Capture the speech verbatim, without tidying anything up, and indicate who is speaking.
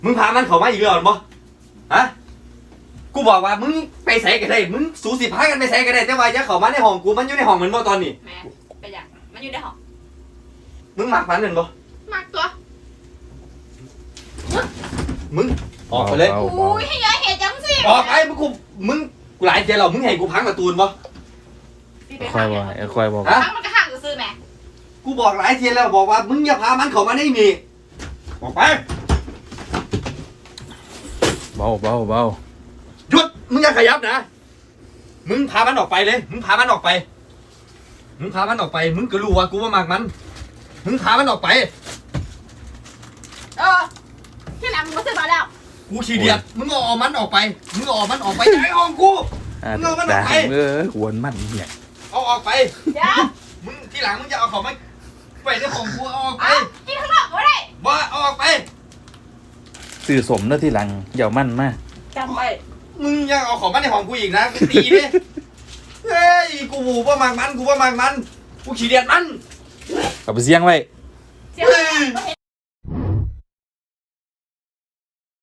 Speaker 1: มึงพามันเข้ามาอีกแล้วบ่ฮะกูบอกว่ามึงไปใส่กันได้มึงสูสิพากันไปใส่กันได้แต่ว่าอย่าเข้ามาในห้องกูมันอยู่ในห้องเหมือนบ่ตอนนี้
Speaker 2: แม่ไปอย่างมันอยู่ในห้อง
Speaker 1: มึงมักมันเหมือนบ่
Speaker 2: มากตัว
Speaker 1: มึงออกไปเลย
Speaker 2: อุ้ยให้ยายเห็นจังสิ
Speaker 1: ออกไปมึงกูมึงกูหลายเจแล้วมึงให้กูพังประตูนบ่
Speaker 3: คอยบอกคอยบอก
Speaker 1: ฮะ
Speaker 2: ทั้งมันก็ห่างซื้อแม่
Speaker 1: กูบอกหลายเทียแล้วบอกว่ามึงอย่าพามันเข้ามาในนี่ออกไป
Speaker 3: เบาเบาเบา
Speaker 1: หยุดมึงอย่าขยับนะมึงพามันออกไปเลยมึงพามันออกไปมึงพามันออกไปมึงก็รู้ว่ากูว่ามักมันมึงพามันออกไป
Speaker 2: เออที่หลังมึงก็ซื้อมาแล้ว
Speaker 1: กูขี้เดียดมึงเอาออกมันออกไปมึงเอาออกมันออกไปไอ้ห้องกู
Speaker 3: อ่า
Speaker 1: มึงเอามันอ
Speaker 3: ด่า
Speaker 1: อกไป
Speaker 3: เออหวนมันเนี่ย
Speaker 1: เอาออกไป
Speaker 2: เดี๋ยว
Speaker 1: มึงทีหลังมึงจะเอาของมันไปในของกูเอาออกไป
Speaker 2: อ่ะกินข้างนอกก็ได้
Speaker 1: บ่เอาออกไป
Speaker 3: สื่อสมเนอะที่หลังอย่ามันมา
Speaker 2: จำไว้
Speaker 1: มึงยังเอาของมันในห้องกูอีกนะกูตีดิเฮ้ยกูว่ามักมันกูว่ามักมันกูขี้เดียดมัน
Speaker 3: เอาไปเสียงไว้
Speaker 2: เสียงไม่เห็น